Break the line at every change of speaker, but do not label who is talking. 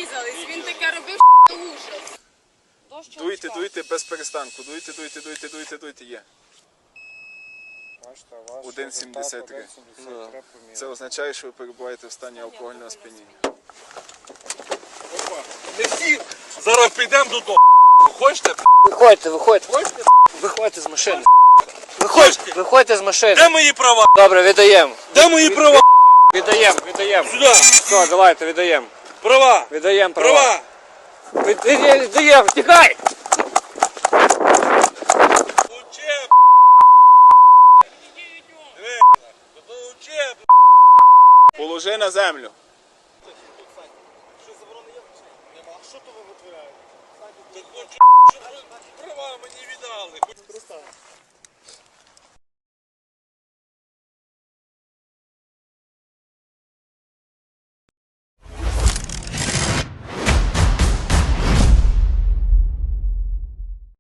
різались. Він таке робив, що ужас.
Дуйте без перестанку. Дуйте. Є. 1,73. Це означає, що ви перебуваєте в стані алкогольного сп'яніння.
Не всі зараз підемо додому. Хочете?
Виходьте з машини. Виходьте з машини.
Де мої права?
Добре, віддаємо.
Де мої права?
Віддаємо.
Сюди.
Все, давайте, віддаємо.
Права.
Віддаємо права.
Права.
Віддаємо, тікай!
Учеб. Диви. Учеб.
Положи на землю.
Що то ви витворяєте? Так хочу, щоб права мені віддали.